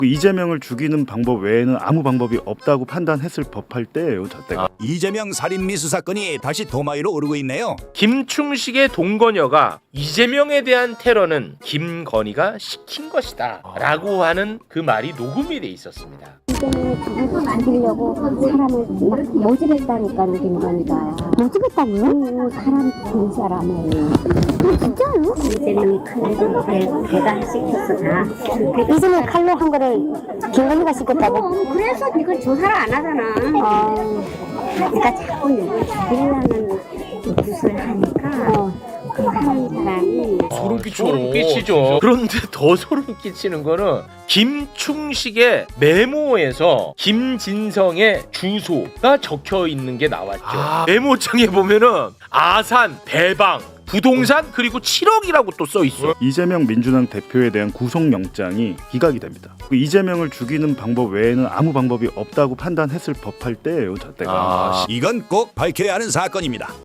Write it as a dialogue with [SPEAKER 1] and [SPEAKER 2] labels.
[SPEAKER 1] 그 이재명을 죽이는 방법 외에는 아무 방법이 없다고 판단했을 법할 때예요. 저때가.
[SPEAKER 2] 이재명 살인 미수 사건이 다시 도마 위로 오르고 있네요.
[SPEAKER 3] 김충식의 동거녀가 이재명에 대한 테러는 김건희가 시킨 것이다 라고 하는 그 말이 녹음이 돼 있었습니다.
[SPEAKER 4] 이재명이 죽이려고 사람을 막 모집했다니까 김건희가. 모집했다고요? 사람 두 사람을. 진짜요? 이재명이 칼로 배달시켰어 다. 이재명이 칼로 한 거를 김건희가 시켰다고? 그래서 이걸 조사를 안 하잖아. 그러니까 자꾸 누굴 죽이려는 짓을 하니까 그 하는 사람이
[SPEAKER 3] 소름 끼치죠. 그런데 더 소름 끼치는 거는 김충식의 메모에서 김진성의 주소가 적혀 있는 게 나왔죠. 메모장에 보면은 아산, 대방, 부동산 그리고 7억이라고 또 써 있어.
[SPEAKER 1] 이재명 민주당 대표에 대한 구속영장이 기각이 됩니다. 그 이재명을 죽이는 방법 외에는 아무 방법이 없다고 판단했을 법할 때예요. 저때가.
[SPEAKER 2] 이건 꼭 밝혀야 하는 사건입니다.